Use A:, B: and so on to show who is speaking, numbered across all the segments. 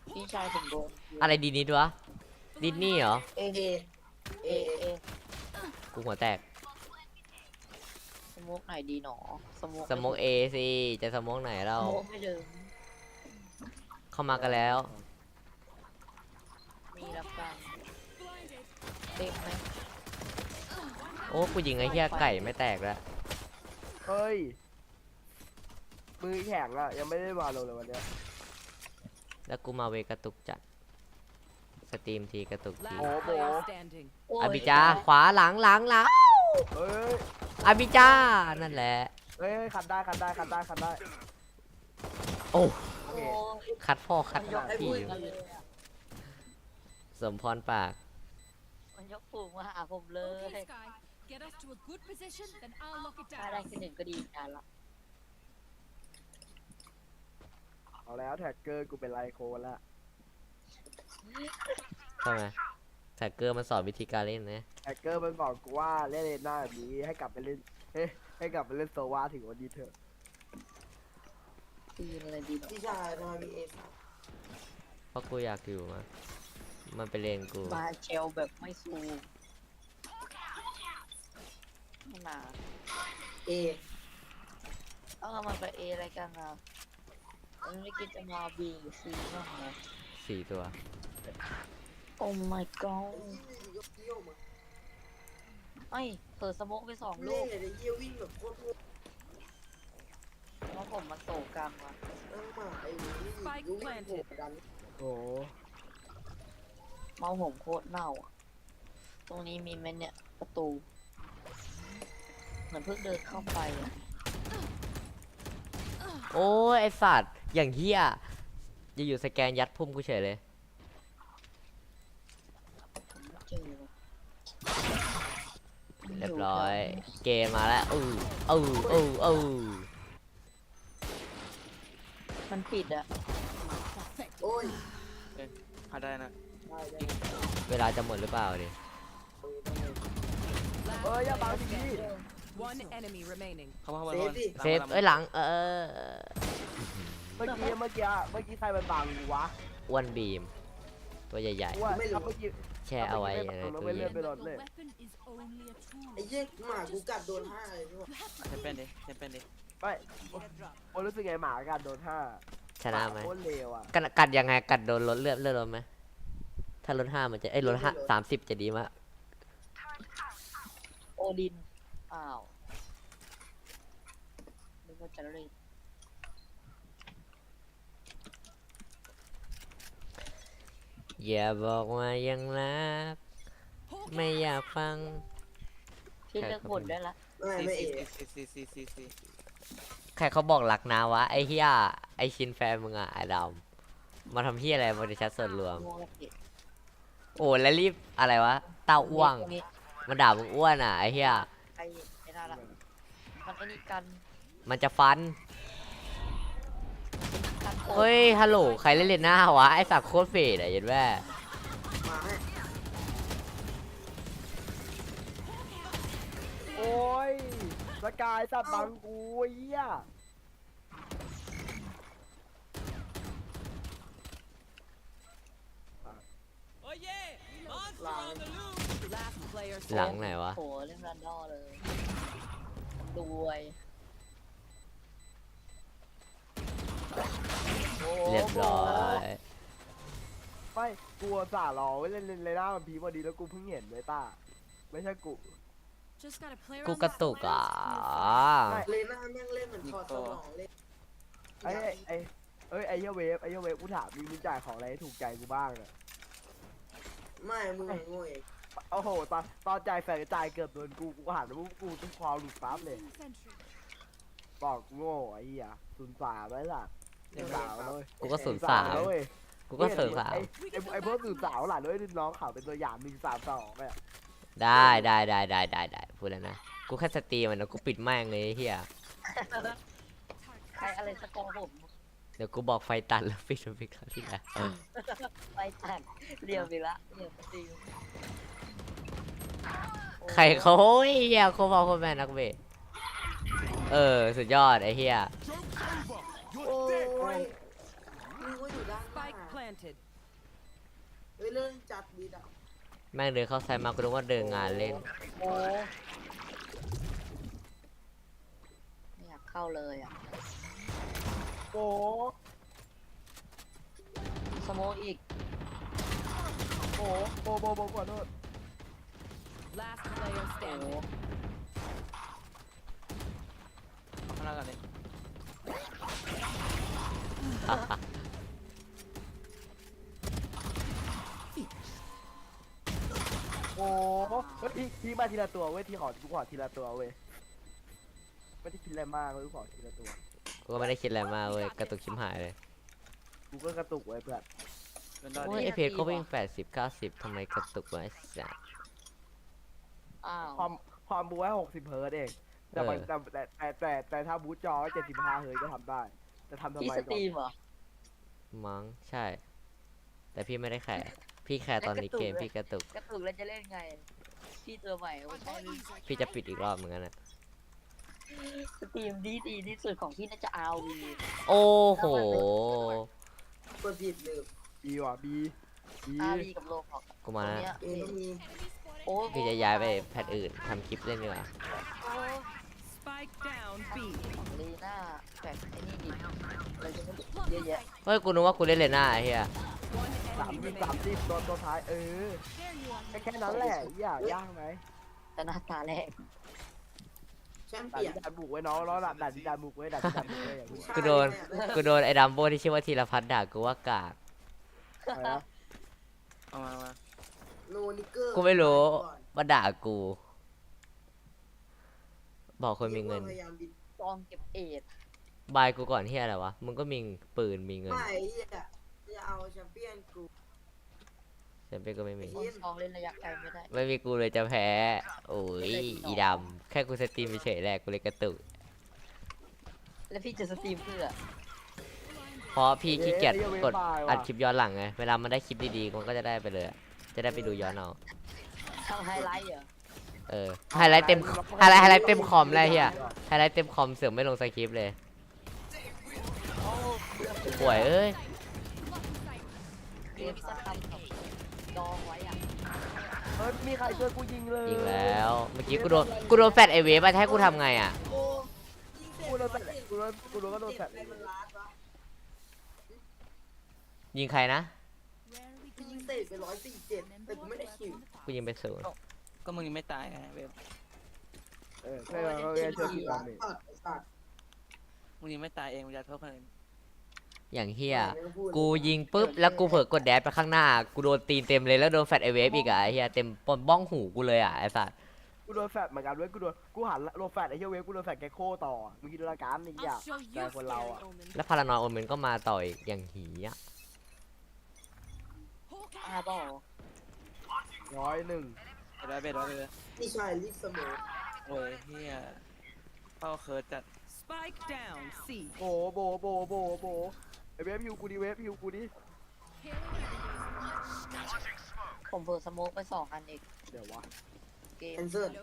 A: พี่ชายผมโดน
B: อะไรดีนิดวะดิสนี่เหรอ
A: เอเอ
B: กูหัวแตก
A: สโมกไหนดีหนอสโมก
B: สโมกเอสิจะสโมกไหนเรา
A: สโมกไม่เดิม
B: เข้ามากันแล้ว
A: มีรับการเต็มไหม
B: โอ้กูยิงไอ้เหี้ยไก่ไม่แตกแล้ว
C: เฮ้ยมือแข็งอ่ะยังไม่ได้มาลงเลยวันเนี้ย
B: แล้วกูมาเวกระตุกจัดสตรีมทีกระตุกที
D: Last player standing.
A: โอ้ย
B: อาบิจาขวาหลัง
C: เฮ้ย
B: อาบิจานั่นแหละ
C: เฮ้ยคัดได้คัดได้คัดได้คัดได้
B: โอ้
C: โอ
A: โอ้
C: เค
A: ย
B: คัดพ่อคัด
A: มันยกให้
B: พี่
A: พูดกันเลยอะ
B: สมพรปาก
A: มันยกปูกมาหาผมเลย
D: Okay, Sky. Get us to a good position, then I'll lock it
A: ถ้าได้
D: down.
A: แค่หนึ่งก็ดีการละ
C: เอาแล้วแท็กเกอร์กูเป็นไลโคนละ
B: ใช่ไหมแท็กเกอร์มันสอนวิธีการเล่นนะ
C: แท็กเกอร์มันบอกกูว่าเล่นเลนหน้าแบบนี้ให้กลับไปเล่นให้กลับไปเล่นโซวาถึงวันนี้เถอะ
A: ตีนอะไรดีหนอ
E: พี่ชายทำไมมีเอส
B: เพราะกูอยากอยู่มามันไปเล่นกู
A: มาเชลแบบไม่ซูมไม่มา
E: เอ
A: มันไปเออะไรกันอ่ะมันไม่คิดจะมาบีหรือซีบ้างเหรอ
B: 4 ตัว
A: โอ้ my god
E: อยู่กับเยี่ยวมา
A: เอ้ยเปิดสโมกไป2
E: เล่
A: ลู
E: น
A: ก
E: เลยเยี่ยววิ่งแบบโคตรโง่
A: เพราะผมมาโศกรรมว่ะ
E: ตั้งมาไอ้นี่วิ่งโผล่ดัน
C: โอ้
A: เมาผมโคตรเน่าอ่ะตรงนี้มีไหมเนี่ยประตู เหมือนเพิ่งเดินเข้าไปอ่ะ
B: โอ้ยไอสัตว์อย่างเหี้ยอยู่ๆสแกนยัดพุ่มกูเฉยเลย
A: ผมไม่เจอเลย
B: เรียบร้อยเกมมาแล้ว
A: มันปิดอ่ะ
E: โอ้ย
F: พาได้นะ
E: ได้ได้
B: เวลาจะหมดหรือเปล่าดิ
C: เฮ้ยอย่าบังที
D: One enemy remaining.
F: เข้ามา
E: เซฟดิ
B: เซฟเอ้ยหลัง
C: เมื่อกี้ใครมันบังกูวะ
B: อ้วนบีม ตัวใหญ่
C: ว่าเมื่อกี้
B: ๆ แช่เอาไว้ในตู้
C: ไม่เลื
B: เย็
C: อก
B: น
C: ไปรถเลย
D: weapon is only a tool.
E: ไอ้เหี้ยหมากูกัดโดน5เลยพี่ว่า
F: เทมเป็นดิเทมเป็นดิ
C: ไม่โอ้รู้สึกไงหมากันโดน5
B: ชนะไหม
C: โคตรเลวอ่ะ
B: กัดยังไงกัดโดนลดเลือดลดไหมถ้าลด5มันจะลด30จะดีมาก
A: โอดินอ้าวนึกว่าจะเล่น
B: อย่าบอกว่ายังรักไม่อยากฟัง
A: พี่เลิกบ่นได้ละ
E: ไม่เอ
F: ซี
B: ใครเขาบอกรักนะวะไอ้เฮียไอชินแฟนมึงอะไอ้ดำมาทำเฮียอะไรบริษัทส่วนรวม
A: โมกติ
B: โอ้แล้วรีบอะไรวะเต้าอ้วงมาด่ามึงอ้วนอ่ะไอ้เฮีย
A: ไอ้นั่นละมันไอ้นี่กัน
B: มันจะฟัน
A: กันโค
B: เฮ้ยฮัลโหลใครเล่นเลนหน้าวะไอ้สักโคตรเฟดอ่ะเห็นแม่
E: มาให้
C: โอ้ยสกายสัตว์บังกูไอ้เหี้ย
E: หลัง
D: Last player
B: หลัง
D: standing.
B: ไหนวะ
A: โหเล่นรันดอเลยรวย
B: เรียบร้อย
C: ไม่กลัวจ่ารอไว้เล่นเลยหน้ามันพีพอดีแล้วกูเพิ่งเห็นเลยต้าไม่ใช่กู
D: Just got a player
B: กู
D: on
B: กระ
D: that
B: ตุก
D: last
B: อ่ะ
E: เลน่าแม่งเล่นเหมือนถอดสมองเล่น
C: ไอ้ไอ้เหี้ยเวฟกูถามมึงจ่ายของอะไรให้ถูกใจกูบ้างอะ
E: ไม่มึงโง่เอง
C: โอ้โหตอนจ่ายแฟนจ่ายเกือบโดนกูหันมากูต้องคอหลุดปั๊บเลย
D: Sentry.
C: บอกโง่ไอ้เหี้ย03ไว้ล่ะ03เลย
B: กูก็
C: 03เลย
B: กูก็03
C: ไอ้พวก03หล่ะด้วยน้องเขาเป็นตัวอย่าง132เนี่ย
B: ได้พูดแล้วนะกูแค่สตรีมมันนะกูปิดแม่งเลยไอ้เฮีย
A: ใครอะไรสกอร์ผม
B: เดี๋ยวกูบอกไฟตัดแล้วปิดคราวที่แล้ว
A: ไปตัดเรียวไปละเรียวไปตี
B: ใครเขาโอ้ยเฮียโคบอลโคแมนนักเบสสุดยอดไอ้เฮีย
E: โอ้ยนึกว่าอยู่ด้านหน้า
D: Spike planted.
E: เฮ้ยเรื่องจัดดีดับ
B: แม่งเดินเข้าไซต์มากูนึกว่าเดินงานเล่น
A: โอ้ไม่อยากเข้าเลยอ่ะ
C: โอ้
A: สโมกอีก
C: โหขอโทษ
D: Last player
A: โอ้
D: standing.
F: เอาข้างล่างก่อนเลย
C: โอ้เฮ้ยพี่มาทีละตัวเว้ยที่กูขอทีละตัวเว้ยไม่ได้คิดอะไรมากเลยกูขอทีละตัว
B: กูก็ไม่ได้คิดอะไรมากเว้ยกระตุกชิมหายเลย
C: กูก็กระตุกไว้เพื่อน
F: เป็นดอ
B: โอ้ย
F: ดี
B: ไอเพจก็วิ่ง80-90ทำไมกระตุกวะไอ้สัส
A: อ้าว
C: ความบูให้60 เฮิร์ตซ์เองแต่มันแต่ถ้าบูทจอ75 เฮิร์ตซ์ก็ทำได้จะทำทำ
A: พี่
C: ไม
A: ส
C: ก่
A: ตรี
C: อน
A: มเหรอ
B: มั้งใช่ แต่พี่ไม่ได้แข่พี่แข่ตอนนี้เกมพี่กระตุก
A: กระตุกแล้วจะเล่นไง พี่ตัวใหม่โอ้ใช่เลย
B: พี่จะปิดอีกรอบเหมือนกันนะ
A: สตรีมดีที่สุดของพี่น่าจะเอาวี
B: โอ้โห
E: กดผิดเลย
C: บีว่ะบี
A: อาวีกับโลกของ
B: กูมาแล้ว
A: เนี้ย
E: เอ็นมี
A: โอ้
B: พี่จะย้ายไปแพทอื่นทำคลิปเล่นดีกว่า
D: Spike down B.
A: ของลีน่าแฝงไอ้นี่ดิอะไรจะไม่เยอะแยะ
B: เฮ้ยกูนึกว่ากูเล่นเลน่าไอ้เหี้ย
D: One enemy
C: 30
D: remaining.
C: ตัวท้ายแค่นั้นแหละยากไหม
A: แต่หน้าตาแรก
E: แชม
C: ดั
E: เปี้ยน
C: นบุกไว้น้องแล้วดันบุกไว้ดันบุกไว้อย่างนี้
B: กูโดนไอ้ดัมโบที่ชื่อว่าธีรพัฒน์ด่ากูว่ากาก
C: อะไรนะ
F: เอามา
E: โนนิเกอร์
B: กูไม่รู้มาด่ากู บอกคนมีเงิน
E: พยายามบิด
A: กองเก็บเอ็ด
B: บายกูก่อนเฮียอะไรวะ มึงก็มีปืนมีเงิน
E: ไม่เหี้ยจะเอาแชมเปี้ยนกู
B: แชมเปี้ยนก็ไม่มี
A: คนกองเล่นระยะไกลไม่ได้
B: ไม่มีกูเลยจะแพ้ โอ้ยอีดำแค่กูสตรีมเฉยๆแหละกูเลยกระตุก
A: แล้วพี่จะสตรีมเพื่อ
B: เพราะพี่ขี้เกียจกดอัดคลิปย้อนหลังไง เวลามันได้คลิปดีๆมันก็จะได้ไปเลย จะได้ไปดูย้อนเอา
A: ทำไฮไลท์เหรอ
B: เออ ไฮไลท์เต็มไฮไลท์เต็มคอมเลยเฮียไฮไลท์เต็มคอมเสือกไม่ลงสคริปต์เลย
A: โอ้
B: ป่วยเอ้ย
A: เกมสักคำกับดองไว้อ่ะ
C: เฮ้ยมีใครช่วยกูยิงเลย
B: ยิงแล้ว เมื่อกี้กูโดนแฟดไอเวฟไปให้กูทำไงอ่ะ
E: โอ้
C: กูโดนก็โดนแฟด
E: ใครมันล้านวะ
B: ยิงใครนะ
E: กูยิงเตะไป147แต่กูไม่ได้คิว
B: กูยิงไปศูนย์
F: ก็มึงยังไม่ตายไงเว็บ
C: ใช่เราแค่ช่วยกูกันนี่
E: สัตว์
F: มึงยังไม่ตายเองมึงจะโทษคนอื่น
B: อย่างเฮียกูยิงปุ๊บแล้วกูเผลอกดแดดไปข้างหน้า กูโดนตีนเต็มเลยแล้วโดนแฟดไอเวฟอีกอ่ะไอเฮียเต็มปนบ้องหูกูเลยอ่ะไอสัตว์
C: กูโดนแฟดเหมือนกันเว้ยกูหันโดนแฟดไอ้เหี้ยเว้ยกูโดนแฟดแกโคต่อมึงคิดดูละกันนี่อยาก
D: I'll show you
C: Kaya wala
D: scary
C: ako.
D: omens.
B: แล้วพารานอยโอเมนก็มาต่ออีกอย่างหีอ่ะ
A: อาบอ
C: 101
F: เบ็ดไว้เลย
E: นี่ชายลิสโม
F: โอ้ยเฮียเข้าเคิร์ดจัด
D: Spike down C.
C: โบไอ้เวฟฮิวกูดิเวฟฮิวกูดิ
A: ผมเปิดสโมกไป2 อันอีก
C: เดี๋ยววะ
A: เกม
E: แอนเซอร์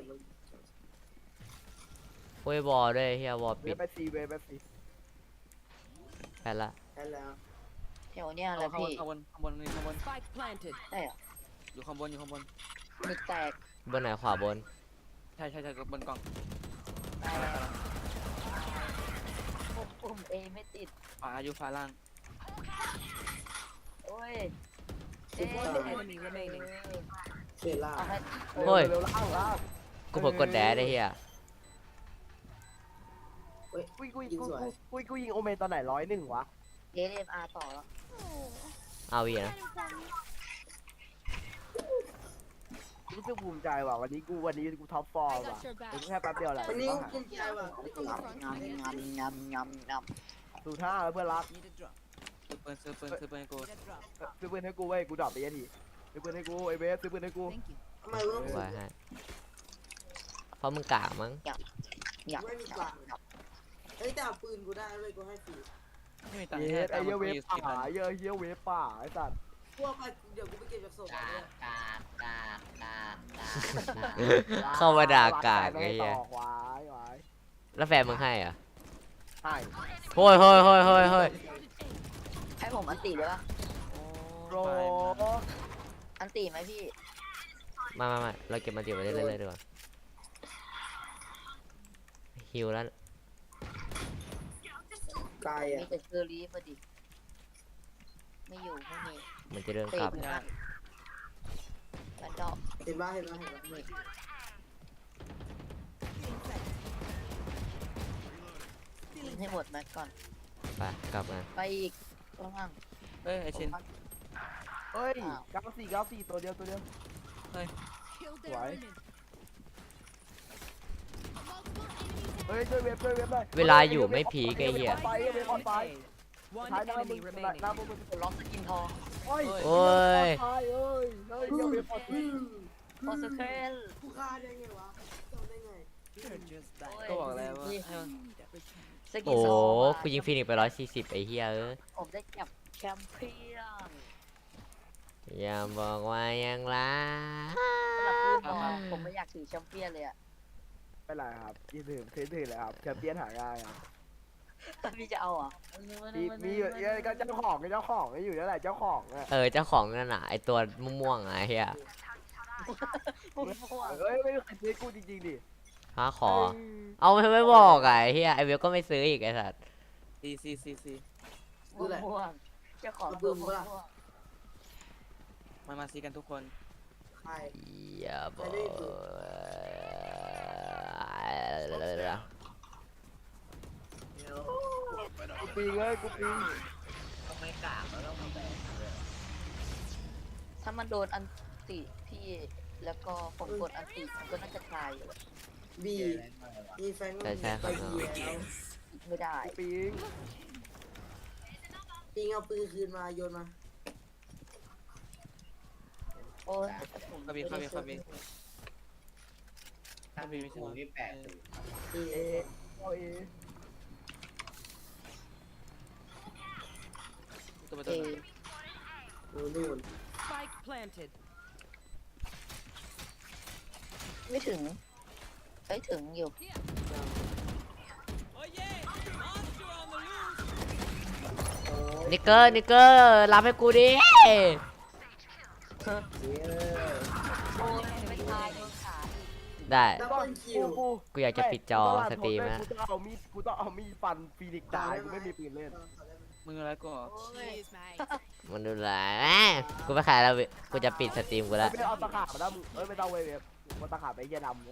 B: โอ้ยบอลด้วยเฮียวอล
C: เว
B: ปิ
C: ฟ
B: ด
C: ไปซีเวฟไปซี
B: แพทละ
E: ใช่แล้ว
A: แถวเนี้ยแหละ
F: ข้างบ
A: พี่
F: นข้างบนข้างบนนี่ข้างบน
D: Spike planted.
A: ได้เหรอ
F: อยู่ข้างบนอยู่ข้างบน
A: มีแตก
B: บนไหนขวาบน
F: ใช่บนกล่อง
A: ได้แล้วปุ่มเอไม่ติด
F: ฝาอยู่ฝาล่าง
A: โอ้ย
D: One enemy remaining.
E: เซล่า
A: เอาให้
B: โอ้ย
C: เร็วล่าง
B: กูเผลอกดแดดได้เฮีย
C: กูยิงโอเมนตอนไหน101วะ
A: เอเอ็มอาร์ต่อแล้ว
B: เอาวีนะ
C: รู้สึกภูมิใจว่ะวันนี้กูท็อปฟอร์มว่ะกูแค่แป๊บเดียวแหละ
E: วันนี้ภูมิใจว่ะ
A: งำ
C: สูท่าแล้วเพื่อนรัก
D: Need a drop.
F: ซื้อปืนให้กู
D: Need a drop.
C: ซื้อปืนให้กูเว้ยกูดรอปไปยันทีซื้อปืนให้กูไอ้เวฟซื้อปืนให้กู
D: Thank you.
E: ทำไมวะ
B: ไว้ให้เพราะมึงกากมั้ง
E: ไม่มีกลางเฮ้ยแต่เอาปืนกูได้เว้ยกูให้ฟรี
F: ไม่มีตังค์
C: เย
F: แค่
C: ไอ้เหี้ยเวฟ
F: ตังค์
C: ป่าเหี้ยเวฟป่าไอ้สัตว์
E: พวกไปเดี๋ยวกูไปเก็บจากศพมาเนี่ย
B: เข้ามาด่ากากไอ้เฮีย
C: ต่อควาย
B: แล้วแฟนมึงให้เหรอ่ะ
C: ใช่
B: โฮ้ย
A: ให้ผมอันติได้ปะ
C: โร
A: อันตีไหมพี่
B: มาเราเก็บมันติดไว้เรื่อยๆดีกว่าฮิวแล้ว
E: ไกล
A: มี
E: อ่ะ
A: แต่เชอรี่พอดี ไม่อยู่ไม่มี
B: มันจะเดิน
A: เตะ
B: กลับ
A: ไปนะแล้วดอก
E: เห็นป่ะเห็นป่ะเห็นป่ะ
A: นี่ยิงให้หมดแม็กก่อน
B: ไปกลับมา
A: ไปอีกข้างล่าง
F: เอ้ยไอชิน
C: เฮ้ย94ตัวเดียว สวย เฮ้ยช่วยเว็บหน่อย
B: เวลาอยู่ไม่พีกไอ้เหี้ย
C: ไปเว็บออนไฟ
D: One
C: ท้ายหน้ามึ
D: enemy
C: ง
D: remaining.
C: หน้ามึง
A: กดล็อกสกินทอง
C: โอ้ย
B: โอ้ย
C: เอ้ยเดี๋ยวเว็บออนไฟ
A: โอสเทล
E: กูฆ่าได้ไงวะจำได้ไง
D: You're just bad.
F: ก็บอกแล้วว่าให้มัน
A: สกิน
B: โอ้
A: ทองมา
B: กูยิงฟินิกซ์ไป140ไอ้เหี้ยเอ้ย
A: ผมได้จับแชมเปี้ยน
B: อย่าบอกว่ายังรัก
A: สำหรับปืนบอกผมไม่อยากถือแชมเปี้ยนเลยอะ
C: ไม่เป็นไรครับยืนถือเลยครับแชมเปี้ยนหายง่ายครับ
A: พี่จะเอาเหรอ่ะ
C: มีอยู่ก็เจ้าของอยู่นั่นแหละเจ้าของอ่ะ
B: เจ้าของนั่นน่ะไอตัวม่วงๆอ่ะไอ้เหี้ย
C: เฮ้ยไม่มีใครซื้อกูจริงๆดิ
B: ฮะขอ เอาไม่บอกอ่ะไอ้เหี้ยไอเวลก็ไม่ซื้ออีกไอ้สัส
F: ซี
A: ม่วงเจ้าของตัวม่วง
F: มาซีกันทุกคน
E: ใคร
B: อย่าบอก
C: กูปีงเลยกูปีง
A: ถ้ามันโดนอันติพี่แล้วก็ผมกดอันติมันก็น่าจะตายอยู่
E: บีมีแฟน
B: ใช่ครับ
E: ไปบีแล้ว
A: ไม่ได้
C: กูปีง
E: ปิงเอาปืนคืนมาโยนมา
A: โอ้ย
F: เข้าบีไม่ใช่
E: เอ
C: เอเอาเอ
F: ตัวประ
A: เอ
F: ตู
E: นู่น
D: Spike planted.
A: ไม่ถึงเอ้ยถึงอยู่
B: นิกเกอร์รับให้กูดิ
A: โอ้ยไม่ตายโดนขาอีก
B: ได้
E: ดับเบิลคิว
B: กูอยากจะปิดจอสตรีม
C: นะ
B: นะ
C: กูต้องเอามีดฟันฟีนิกซ์ตายกูไม่มีปืนเล่น
F: มึงอะไรกู
A: โอ้ย
B: มันดูแลกูไปขายแล้วกูจะปิดสตรีมกูแล้ว
C: ไม่เอาตะขาบมาแล้วมึงไม่ต้องเว็บมาตะขาบไปเหี้ยดำ